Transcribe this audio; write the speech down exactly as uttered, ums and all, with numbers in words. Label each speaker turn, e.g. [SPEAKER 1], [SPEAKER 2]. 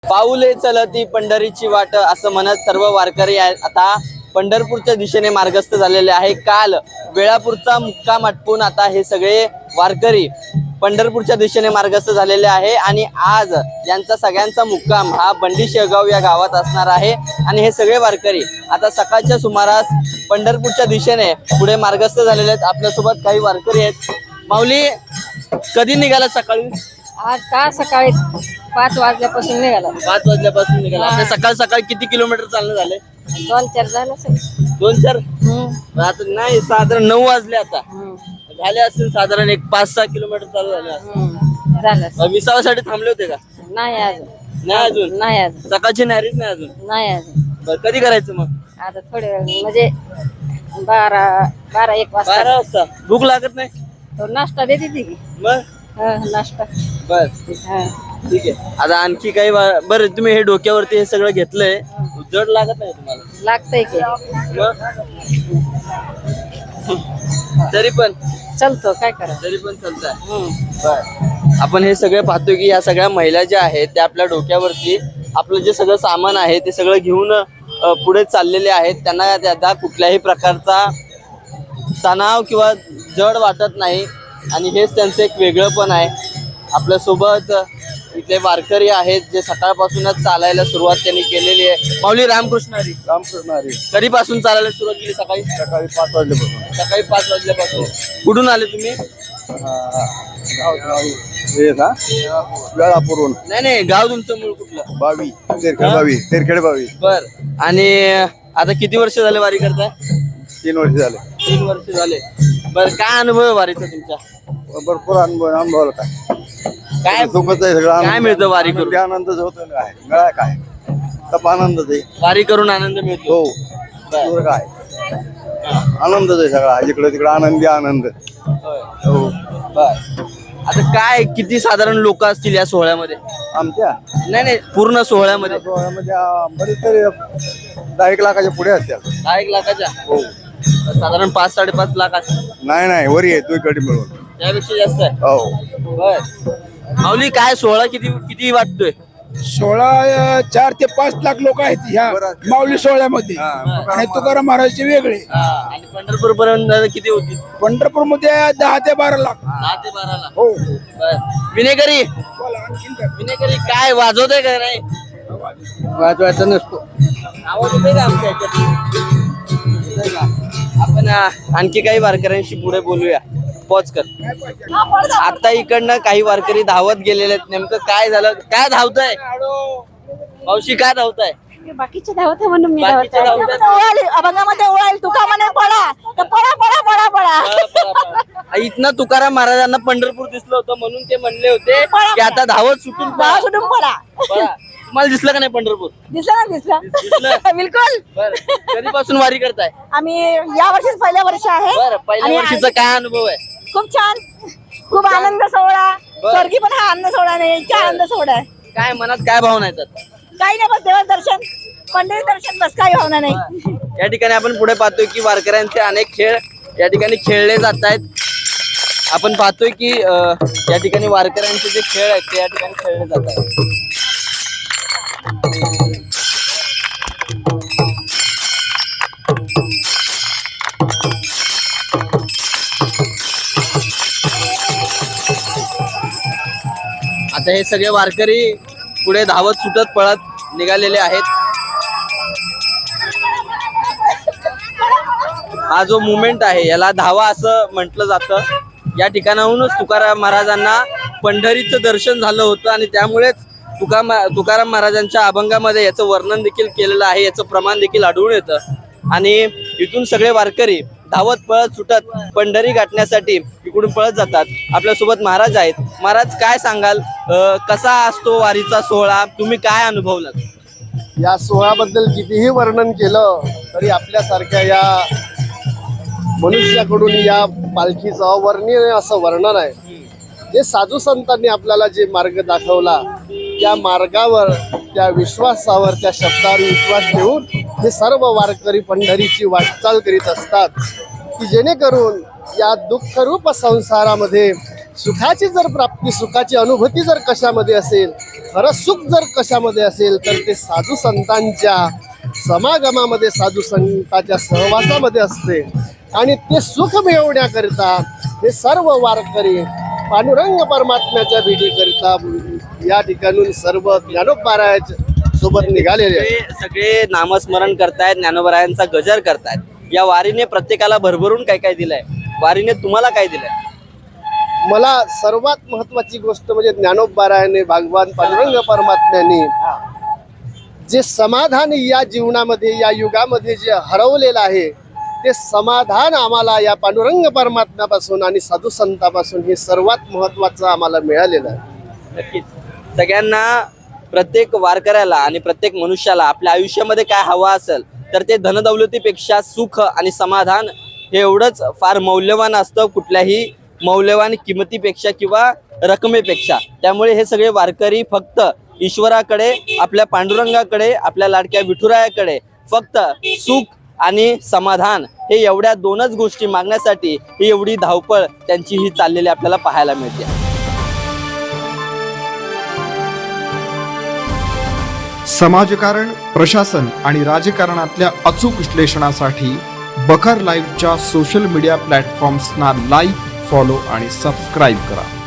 [SPEAKER 1] पाऊले चलती पंढरीची वाट असं म्हणत सर्व वारकरी आता पंढरपूरच्या दिशेने मार्गस्थ झालेले आहे। काल वेळापूरचा मुक्काम आटपून आता हे सगळे वारकरी पंढरपूरच्या दिशेने मार्गस्थ झालेले आहे आणि आज यांचा सगळ्यांचा मुक्काम हा बंडी शेगाव या गावात असणार आहे। आणि हे सगळे वारकरी आता सकाळच्या सुमारास पंढरपूरच्या दिशेने पुढे मार्गस्थ झालेले आहेत। आपल्यासोबत काही वारकरी आहेत। माऊली, कधी निघाला सकाळी?
[SPEAKER 2] आज का सकाळी पाच वाजल्यापासून निघाला।
[SPEAKER 1] पाच वाजल्यापासून निघाला। आपल्या सकाळ सकाळी किती किलोमीटर चालणं झाले?
[SPEAKER 2] दोन चार झालं सर।
[SPEAKER 1] दोन चार आता नाही, साधारण नऊ वाजले आता झाले असतील। साधारण एक पाच सहा किलोमीटर चालू झाले
[SPEAKER 2] झालं।
[SPEAKER 1] विसावासाठी थांबले होते का?
[SPEAKER 2] नाही अजून
[SPEAKER 1] नाही अजून
[SPEAKER 2] नाही अजून
[SPEAKER 1] सकाळची नारीच नाही अजून
[SPEAKER 2] नाही अजून
[SPEAKER 1] बरं, कधी करायचं मग?
[SPEAKER 2] आता थोडे वेळ म्हणजे बारा बारा एक वाजता
[SPEAKER 1] बारा वाजता भूक लागत नाही?
[SPEAKER 2] तो नाश्ता देते ती की
[SPEAKER 1] मग
[SPEAKER 2] हा, नाश्ता
[SPEAKER 1] बर
[SPEAKER 2] हा।
[SPEAKER 1] ठीक आहे। आता आणखी काही वा- बरं, तुम्ही हे डोक्यावरती हे सगळं घेतलंय, जड लागत नाही तुम्हाला?
[SPEAKER 2] लागतंय की
[SPEAKER 1] मग तरी पण
[SPEAKER 2] चलतो, काय करा
[SPEAKER 1] तरी पण चालतंय। बर, आपण हे सगळे पाहतो की या सगळ्या महिला ज्या आहेत त्या आपल्या डोक्यावरती आपलं जे सगळं सामान आहे ते सगळं घेऊन अ, पुढे चाललेले आहेत। त्यांना त्याचा कुठल्याही प्रकारचा तणाव किंवा जड वाटत नाही आणि हेच त्यांचं एक वेगळं पण आहे। आपल्यासोबत इथले वारकरी आहेत जे सकाळपासूनच चालायला सुरुवात त्यांनी केलेली आहे। माऊली, रामकृष्ण हरी।
[SPEAKER 3] रामकृष्ण हरी।
[SPEAKER 1] कधीपासून चालायला सुरुवात केली? सकाळी
[SPEAKER 3] सकाळी पाच वाजल्यापासून।
[SPEAKER 1] सकाळी पाच वाजल्यापासून। कुठून आले तुम्ही?
[SPEAKER 3] हे ना वेळापूरहून।
[SPEAKER 1] नाही नाही, गाव तुमचं मूळ कुठलं?
[SPEAKER 3] बावी तेरखेड बावी तेरखेड बावी।
[SPEAKER 1] बर, आणि आता किती वर्ष झाले वारी करताय?
[SPEAKER 3] तीन वर्ष झाले।
[SPEAKER 1] तीन वर्ष झाले। बर, काय अनुभव आहे वारीचा तुमचा?
[SPEAKER 3] भरपूर अनुभव अनुभवला काय
[SPEAKER 1] काय
[SPEAKER 3] दुखत आहे सगळं।
[SPEAKER 1] काय मिळतं वारी करून?
[SPEAKER 3] आनंदच होतो ना, काय मिळा काय तप आनंदच आहे।
[SPEAKER 1] वारी करून आनंद मिळतो?
[SPEAKER 3] हो, दुसरं काय आनंदच आहे सगळा, इकडे तिकडे आनंदी आनंद। हो।
[SPEAKER 1] बर, आता काय किती साधारण लोक असतील या सोहळ्यामध्ये?
[SPEAKER 3] आमच्या
[SPEAKER 1] नाही नाही, पूर्ण सोहळ्यामध्ये
[SPEAKER 3] सोहळ्यामध्ये बरेच तरी दहा एक लाखाच्या पुढे असतात।
[SPEAKER 1] दहा एक लाखाच्या?
[SPEAKER 3] हो।
[SPEAKER 1] साधारण पाच साडेपाच लाख असतील?
[SPEAKER 3] नाही नाही, वरी आहे तू इकडे मिळून।
[SPEAKER 1] त्यापेक्षा जास्त आहे?
[SPEAKER 3] हो।
[SPEAKER 1] बर, माऊली, काय सोहळा किती किती वाटतोय?
[SPEAKER 4] सोळा चार ते पाच लाख लोक आहेत ह्या माऊली सोहळ्यामध्ये आणि तुकाराम महाराजचे वेगळे।
[SPEAKER 1] आणि पंढरपूर पर्यंत किती होती?
[SPEAKER 4] पंढरपूर मध्ये दहा ते बारा लाख।
[SPEAKER 1] दहा ते बारा लाख?
[SPEAKER 4] हो।
[SPEAKER 1] बर, विनेकरी विनेकरी काय वाजवतोय का नाही?
[SPEAKER 4] वाजवायचा नसतो।
[SPEAKER 1] आवाज येतोय का आमच्या ह्याच्यात? येतोय का? आपण अ, आणखी काही वारकऱ्यांशी पुढे बोलूया। पॉज कर। आता इकडनं काही वारकरी धावत गेलेले आहेत। नेमकं काय झालं? काय धावताय मावशी? काय धावताय?
[SPEAKER 2] बाकीचे धावते म्हणून मी
[SPEAKER 1] बाकीचे धावतायत?
[SPEAKER 2] धावते अभंगामध्ये ओळाल तुका म्हणे पळा तर पळा पळा पळा पळा
[SPEAKER 1] पळा, पळा, पळा. इथनं तुकाराम महाराजांना पंढरपूर दिसलं होतं म्हणून ते म्हणले होते की आता धावत सुटून पळा.
[SPEAKER 2] सोडून पळा।
[SPEAKER 1] पळा. तुम्हाला दिसलं का नाही पंढरपूर?
[SPEAKER 2] दिसलं ना दिसलं
[SPEAKER 1] दिसलं?
[SPEAKER 2] बिलकुल।
[SPEAKER 1] बरं, कधीपासून वारी करताय?
[SPEAKER 2] आम्ही या वर्षीच पहिल्या वर्ष आहे
[SPEAKER 1] बरं, पहिल्या
[SPEAKER 2] आणि
[SPEAKER 1] वर्षीचा काय अनुभव आहे?
[SPEAKER 2] खूप छान, खूप आनंद सोहळा।
[SPEAKER 1] बरं.
[SPEAKER 2] स्वर्गी पण हा आनंद सोहळा नाही, इतका आनंद सोहळा आहे।
[SPEAKER 1] काय मनात काय भावना येतात?
[SPEAKER 2] काही नाही, बस देवाचं दर्शन, पंढरी दर्शन, बस काही भावना नाही।
[SPEAKER 1] या ठिकाणी आपण पुढे पाहतोय की वारकऱ्यांचे अनेक खेळ या ठिकाणी खेळले जात आहेत। आपण पाहतोय की अ, या ठिकाणी वारकऱ्यांचे जे खेळ आहेत ते या ठिकाणी खेळले जात आहेत। आता हे सगळे वारकरी पुढे धावत सुटत पळत निघालेले आहेत। हा जो मुवमेंट आहे याला धावा असं म्हटलं जातं। या ठिकाणाहूनच तुकाराम महाराजांना पंढरीचं दर्शन झालं होतं आणि त्यामुळेच तुका तुकाराम महाराजांच्या अभंगामध्ये याचं वर्णन देखील केलेलं आहे, याचं प्रमाण देखील आढळून येतं। आणि इथून सगळे वारकरी धावत पळत सुटत पंढरी गाठण्यासाठी इकडून पळत जातात। आपल्यासोबत महाराज आहेत। महाराज, काय सांगाल, अ, कसा असतो वारीचा सोहळा? तुम्ही काय अनुभवलात?
[SPEAKER 3] या सोहळ्याबद्दल कितीही वर्णन केलं तरी आपल्यासारख्या या मनुष्याकडून या पालखीचं अवर्णनीय असं वर्णन आहे। जे साधू संतांनी आपल्याला जे मार्ग दाखवला त्या मार्गावर, त्या विश्वासावर, त्या शब्दावर विश्वास ठेवून हे सर्व वारकरी पंढरीची वाटचाल करीत असतात की जेणेकरून या दुःखरूप संसारामध्ये सुखाची जर प्राप्ती, सुखाची अनुभूती जर कशामध्ये असेल खरं सुख जर कशामध्ये असेल तर ते साधू संतांच्या समागमामध्ये, साधू संतांच्या सहवासामध्ये असते. आणि ते सुख मिळवण्याकरिता हे सर्व वारकरी पांडुरंग परमात्म्याच्या भेटीकरिता या ठिकाणून सर्व ज्ञानोबारायाच्या सोबत निघालेले आहेत.
[SPEAKER 1] हे सगळे नामस्मरण करतायत, ज्ञानोबारायांचा गजर करतायत. या वारीने प्रत्येकाला भरभरून काय काय दिलंय? वारीने तुम्हाला काय दिलंय?
[SPEAKER 3] मला सर्वात महत्वाची गोष्ट म्हणजे ज्ञानोबारायाने, भगवान पांडुरंग परमात्म्याने जे समाधान या जीवनामध्ये, या युगामध्ये जे हरवलेलं आहे, ते समाधान आम्हाला या पांडुरंग परमात्म्यापासून आणि साधू संतापासून हे सर्वात महत्वाचं आम्हाला मिळालेलं आहे.
[SPEAKER 1] नक्कीच सगळ्यांना, प्रत्येक वारकऱ्याला आणि प्रत्येक मनुष्याला आपल्या आयुष्यामध्ये काय हवं असेल तर ते धनदौलतीपेक्षा सुख आणि समाधान हे एवढंच फार मौल्यवान असतं, कुठल्याही मौल्यवान किमतीपेक्षा किंवा रकमेपेक्षा. त्यामुळे हे सगळे वारकरी फक्त ईश्वराकडे, आपल्या पांडुरंगाकडे, आपल्या लाडक्या विठुरायाकडे फक्त सुख आणि समाधान हे एवढ्या दोनच गोष्टी मागण्यासाठी ही एवढी धावपळ त्यांची ही चाललेली आपल्याला पाहायला मिळते.
[SPEAKER 5] समाजकारण, प्रशासन आणि राजकारणातल्या अचूक विश्लेषणासाठी बखर लाईव्हच्या सोशल मीडिया प्लॅटफॉर्म्सना लाईक, फॉलो आणि सबस्क्राईब करा.